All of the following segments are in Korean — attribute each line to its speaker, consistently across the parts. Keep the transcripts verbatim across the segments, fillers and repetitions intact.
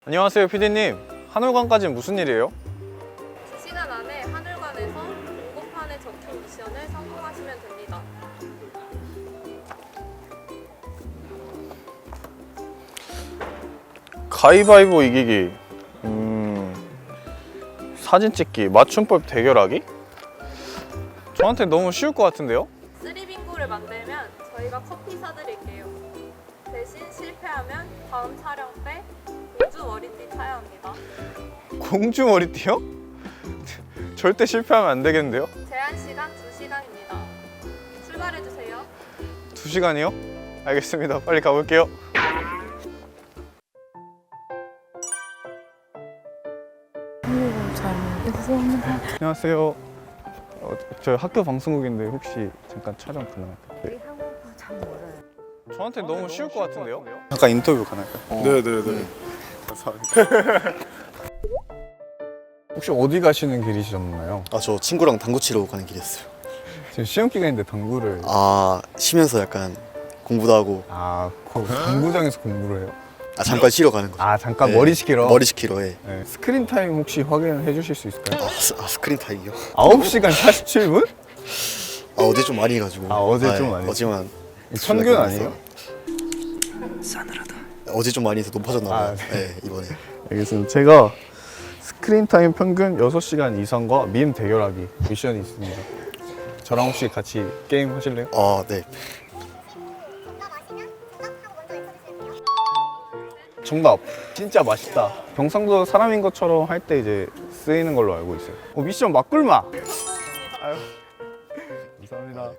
Speaker 1: 안녕하세요 피디님. 하늘관까지는 무슨 일이에요?
Speaker 2: 두 시간 안에 하늘관에서 공고판에 적힌 미션을 성공하시면 됩니다.
Speaker 1: 가위바위보 이기기, 음... 사진 찍기, 맞춤법 대결하기? 저한테 너무 쉬울 것 같은데요?
Speaker 2: 쓰리 빙고를 만들면 저희가 커피 사드릴게요. 대신 실패하면 다음 촬영 때 공주 머리띠 차야 합니다.
Speaker 1: 공주 머리띠요? 절대 실패하면 안 되겠는데요?
Speaker 2: 제한 시간 두 시간입니다. 출발해주세요.
Speaker 1: 두 시간이요? 알겠습니다. 빨리 가볼게요.
Speaker 3: 잘 모르겠습니다.
Speaker 1: 안녕하세요. 어, 저 학교 방송국인데 혹시 잠깐 촬영 가능할까요? 네.
Speaker 3: 우리 한국어 잘 몰라요.
Speaker 1: 저한테 너무 쉬울 것 같은데요? 잠깐 인터뷰 가능할까요?
Speaker 4: 네네네.
Speaker 1: 감사합니다. 혹시 어디 가시는 길이셨나요?
Speaker 4: 아, 저 친구랑 당구 치러 가는 길이었어요.
Speaker 1: 지금 시험 기간인데 당구를
Speaker 4: 아, 쉬면서 약간 공부도 하고
Speaker 1: 아, 그 당구장에서 공부를 해요?
Speaker 4: 아, 잠깐 쉬러 가는 거죠.
Speaker 1: 아, 잠깐
Speaker 4: 네,
Speaker 1: 머리 식히러?
Speaker 4: 머리 식히러 해.
Speaker 1: 네. 스크린 타임 혹시 확인해 주실 수 있을까요?
Speaker 4: 아, 스, 아 스크린 타임이요?
Speaker 1: 아홉 시간 사십칠 분?
Speaker 4: 아, 어제 좀 많이 해가지고.
Speaker 1: 아, 어제
Speaker 4: 아,
Speaker 1: 좀
Speaker 4: 예,
Speaker 1: 많이
Speaker 4: 어제만.
Speaker 1: 평균 아니에요?
Speaker 4: 싸늘하다. 어제 좀 많이 해서 높아졌나 봐요.
Speaker 1: 아, 네.
Speaker 4: 네, 이번에.
Speaker 1: 알겠습니다. 제가 스크린 타임 평균 여섯 시간 이상과 밈 대결하기 미션이 있습니다. 저랑 혹시 같이 게임 하실래요?
Speaker 4: 아, 네.
Speaker 1: 정답. 진짜 맛있다. 경상도 사람인 것처럼 할 때 이제 쓰이는 걸로 알고 있어요. 어, 미션 막꿀마. 아유. 감사합니다.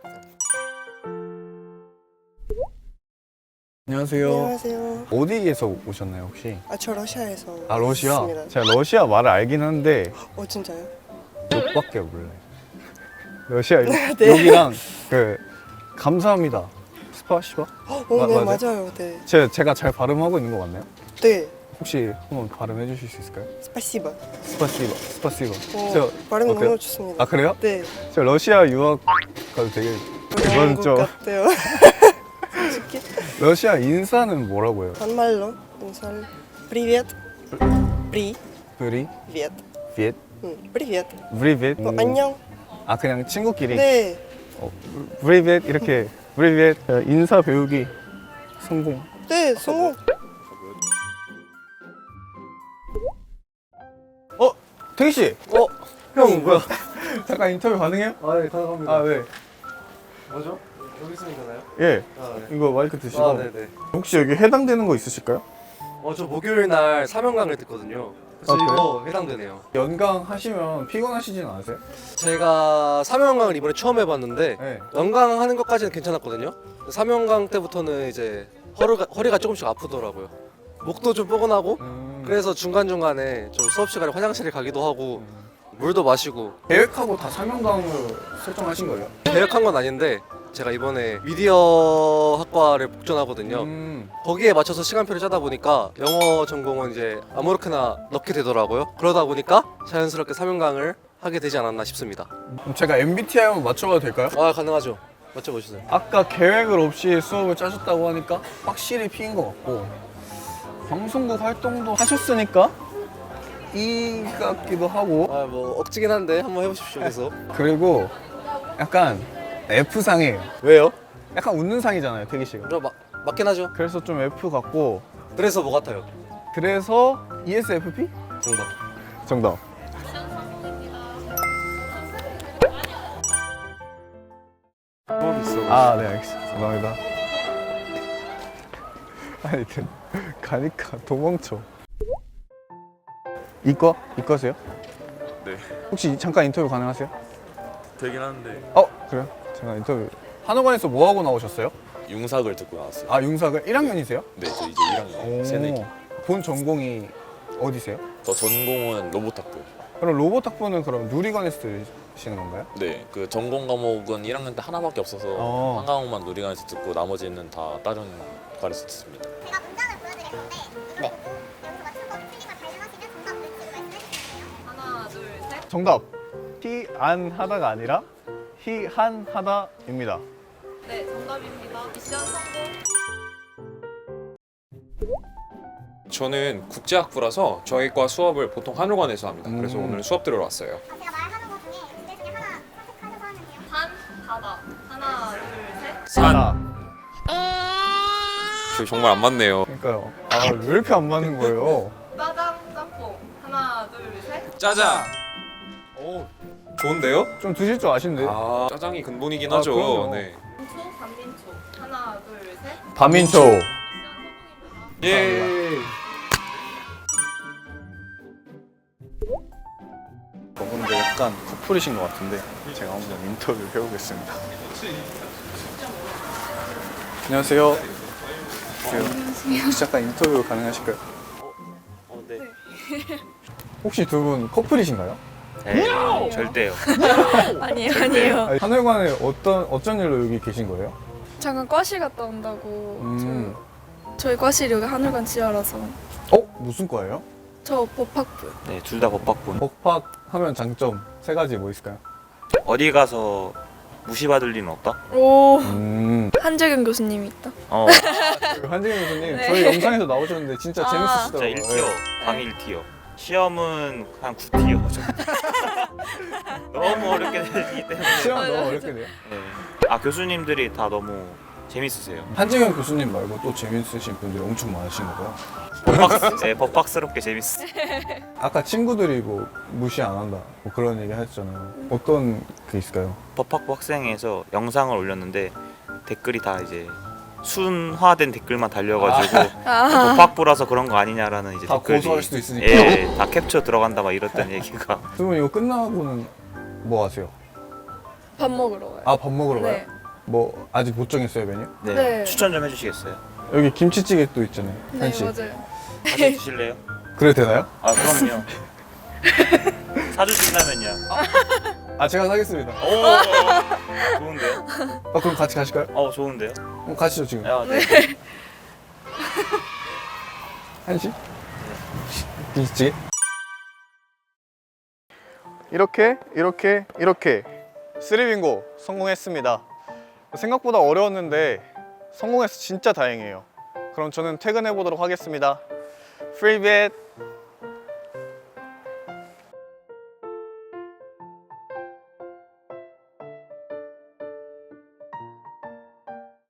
Speaker 1: 안녕하세요.
Speaker 5: 안녕하세요.
Speaker 1: 어디에서 오셨나요 혹시?
Speaker 5: 아, 저 러시아에서
Speaker 1: 아 러시아?
Speaker 5: 왔습니다.
Speaker 1: 제가 러시아 말을 알긴 하는데
Speaker 5: 어, 진짜요?
Speaker 1: 욕밖에 몰라요. 러시아 욕,
Speaker 5: 네.
Speaker 1: 욕이랑 그 감사합니다. 스파시바?
Speaker 5: 어,
Speaker 1: 마-
Speaker 5: 네,
Speaker 1: 맞아요?
Speaker 5: 맞아요. 네.
Speaker 1: 제가, 제가 잘 발음하고 있는 거 맞나요?
Speaker 5: 네.
Speaker 1: 혹시 한번 발음해 주실 수 있을까요?
Speaker 5: 스파시바.
Speaker 1: 스파시바, 스파시바.
Speaker 5: 어,
Speaker 1: 저
Speaker 5: 발음
Speaker 1: 어때요?
Speaker 5: 너무 좋습니다.
Speaker 1: 아 그래요?
Speaker 5: 네.
Speaker 1: 저 러시아 유학 가도 되게
Speaker 5: 어려운 것
Speaker 1: 좀
Speaker 5: 같아요. 솔직히
Speaker 1: 러시아 인사는 뭐라고 해요?
Speaker 5: 반말로 인사를 Привет. Привет.
Speaker 1: 브리, 비엣,
Speaker 5: 응, Привет.
Speaker 1: 브리벳.
Speaker 5: 어, 안녕.
Speaker 1: 아 그냥 친구끼리.
Speaker 5: 네.
Speaker 1: 어, 브리벳 이렇게 브리벳 인사 배우기 성공.
Speaker 5: 네, 성공.
Speaker 1: 어, 태기 씨.
Speaker 6: 어? 형 뭐야?
Speaker 1: 잠깐 인터뷰 가능해요?
Speaker 6: 아, 네, 가능합니다.
Speaker 1: 아 네.
Speaker 6: 뭐죠? 여기 있으면 되나요?
Speaker 1: 예.
Speaker 6: 아, 네.
Speaker 1: 이거 마이크 드시고.
Speaker 6: 아, 네네.
Speaker 1: 혹시 여기 해당되는 거 있으실까요?
Speaker 6: 어, 저 목요일 날 사명강을 듣거든요. 그래서
Speaker 1: 아, 그래요?
Speaker 6: 이거 해당되네요.
Speaker 1: 연강 하시면 피곤하시진 않으세요?
Speaker 6: 제가 사명강을 이번에 처음 해봤는데
Speaker 1: 네.
Speaker 6: 연강 하는 것까지는 괜찮았거든요. 사명강 때부터는 이제 허리가, 허리가 조금씩 아프더라고요. 목도 좀 뻐근하고
Speaker 1: 음,
Speaker 6: 그래서 중간중간에 좀 수업 시간에 화장실에 가기도 하고 물도 마시고
Speaker 1: 계획하고 다 사명강으로 설정하신 거예요?
Speaker 6: 계획한 건 아닌데 제가 이번에 미디어 학과를 복전하거든요.
Speaker 1: 음,
Speaker 6: 거기에 맞춰서 시간표를 짜다 보니까 영어 전공은 이제 아무렇게나 넣게 되더라고요. 그러다 보니까 자연스럽게 사명강을 하게 되지 않았나 싶습니다.
Speaker 1: 그럼 제가 엠비티아이 한번 맞춰봐도 될까요?
Speaker 6: 아, 가능하죠. 맞춰보시죠.
Speaker 1: 아까 계획을 없이 수업을 짜셨다고 하니까 확실히 P인 것 같고 방송국 활동도 하셨으니까 E 같기도 하고
Speaker 6: 아, 뭐 억지긴 한데 한번 해보십시오. 그래서
Speaker 1: 그리고 약간 F상이에요.
Speaker 6: 왜요?
Speaker 1: 약간 웃는 상이잖아요, 태기 씨가.
Speaker 6: 그럼 마, 맞긴 하죠.
Speaker 1: 그래서 좀 F 같고
Speaker 6: 그래서 뭐 같아요?
Speaker 1: 그래서 이에스에프피?
Speaker 6: 정답.
Speaker 1: 정답.
Speaker 6: 뭐 있어?
Speaker 1: 아, 네, 알겠습니다. 감사합니다. 아니, 그, 가니까 도망쳐. 이과? 이과세요?
Speaker 7: 네,
Speaker 1: 혹시 잠깐 인터뷰 가능하세요?
Speaker 7: 되긴 하는데
Speaker 1: 어, 그래요? 잠깐 인터뷰. 한의관에서 뭐 하고 나오셨어요?
Speaker 7: 융삭을 듣고 나왔어요.
Speaker 1: 아, 융삭을 일 학년이세요?
Speaker 7: 네, 저 이제 일 학년 새내기.
Speaker 1: 본 전공이 어디세요?
Speaker 7: 저 전공은 로봇학부.
Speaker 1: 그럼 로봇 학부는 그럼 누리관에서 들으시는 건가요?
Speaker 7: 네, 그 전공 과목은 일 학년 때 하나밖에 없어서
Speaker 1: 어.
Speaker 7: 한 과목만 누리관에서 듣고 나머지는 다 다른 과에서 듣습니다.
Speaker 8: 제가 문장을 보여드릴 건데 네. 여기서 맞추고 틀린 걸 발견하시면 정답 외치고 말씀해 주세요.
Speaker 2: 하나, 둘, 셋.
Speaker 1: 정답. 히 안 하다가 아니라 히 한 하다입니다.
Speaker 2: 네, 정답입니다. 미션 성공.
Speaker 9: 저는 국제학부라서 저희 과 수업을 보통 한울관에서 합니다. 그래서
Speaker 1: 음.
Speaker 9: 오늘 수업 들으러 왔어요.
Speaker 8: 아, 제가 말하는 것 중에 두 개 중에 하나 선택하셔서 하면 돼요.
Speaker 2: 산, 바다. 하나, 둘, 셋.
Speaker 1: 산.
Speaker 9: 저희 정말 안 맞네요.
Speaker 1: 그러니까요. 아, 왜 이렇게 안 맞는 거예요?
Speaker 2: 짜장, 짬뽕. 하나, 둘, 셋.
Speaker 9: 짜장. 오, 좋은데요?
Speaker 1: 좀 드실 줄 아신데.
Speaker 9: 아, 짜장이 근본이긴
Speaker 1: 아,
Speaker 9: 하죠.
Speaker 1: 그럼요.
Speaker 9: 네.
Speaker 2: 민초, 반민초. 하나, 둘, 셋.
Speaker 1: 반민초.
Speaker 2: 미션 성공입니다.
Speaker 9: 예.
Speaker 1: 저분들 약간 커플이신 것 같은데 제가 한번 인터뷰를 해보겠습니다. 안녕하세요. 안녕하세요. 혹시 잠깐 인터뷰 가능하실까요?
Speaker 10: 어, 네.
Speaker 1: 혹시 두 분 커플이신가요?
Speaker 10: 네, 절대요.
Speaker 3: 아니에요, 아니에요.
Speaker 1: 아니, 하늘관에 어떤 어쩐 일로 여기 계신 거예요?
Speaker 11: 잠깐 과실 갔다 온다고.
Speaker 1: 음.
Speaker 11: 저, 저희 과실이 여기 하늘관 지하라서.
Speaker 1: 어? 무슨 과예요?
Speaker 11: 저 법학부.
Speaker 10: 네, 둘 다 법학부.
Speaker 1: 법학 하면 장점 세 가지 뭐 있을까요?
Speaker 10: 어디 가서 무시받을 리는 없다?
Speaker 11: 오.
Speaker 1: 음.
Speaker 11: 한재경 교수님이 있다.
Speaker 10: 어,
Speaker 1: 그 한재경 교수님
Speaker 11: 네.
Speaker 1: 저희 영상에서 나오셨는데 진짜
Speaker 11: 아.
Speaker 10: 진짜
Speaker 1: 재밌으시더라고요.
Speaker 10: 일 티어, 강의 일 티어. 시험은 한 구 티어. 너무 어렵게 되기 때문에.
Speaker 1: 시험
Speaker 11: 맞아요,
Speaker 1: 너무
Speaker 11: 맞아요.
Speaker 1: 어렵게 돼요.
Speaker 10: 네. 아, 교수님들이 다 너무 재밌으세요.
Speaker 1: 한재경 교수님 말고 또 재밌으신 분들이 엄청 많으신 거고요.
Speaker 10: 법학, 네, 법학스럽게 재밌어.
Speaker 1: 아까 친구들이 뭐 무시 안 한다 뭐 그런 얘기 하셨잖아요. 어떤 게 있을까요?
Speaker 10: 법학부 학생에서 영상을 올렸는데 댓글이 다 이제 순화된 댓글만 달려가지고
Speaker 11: 아.
Speaker 10: 법학부라서 그런 거 아니냐라는 이제
Speaker 1: 다
Speaker 10: 댓글이
Speaker 1: 고소할 수도 있으니까.
Speaker 10: 예, 다 캡처 들어간다 막 이랬던 얘기가.
Speaker 1: 두 분 이거 끝나고는 뭐 하세요?
Speaker 11: 밥 먹으러 가요.
Speaker 1: 아 밥 먹으러 가요?
Speaker 11: 네.
Speaker 1: 뭐 아직 못 정했어요 메뉴?
Speaker 10: 네.
Speaker 11: 네.
Speaker 10: 추천 좀 해주시겠어요?
Speaker 1: 여기 김치찌개 또 있잖아요.
Speaker 11: 네,
Speaker 1: 한식.
Speaker 11: 맞아요.
Speaker 10: 같이 드실래요?
Speaker 1: 그래도 되나요?
Speaker 10: 아, 그럼요. 사주신다면요.
Speaker 1: 아 제가 사겠습니다.
Speaker 10: 오, 좋은데요?
Speaker 1: 아 그럼 같이 가실까요?
Speaker 10: 어, 좋은데요?
Speaker 1: 그럼 가시죠 지금.
Speaker 10: 아, 네.
Speaker 1: 한식? 김치찌개? 이렇게 이렇게 이렇게 쓰리빙고 성공했습니다. 생각보다 어려웠는데 성공해서 진짜 다행이에요. 그럼 저는 퇴근해 보도록 하겠습니다. 프리벳.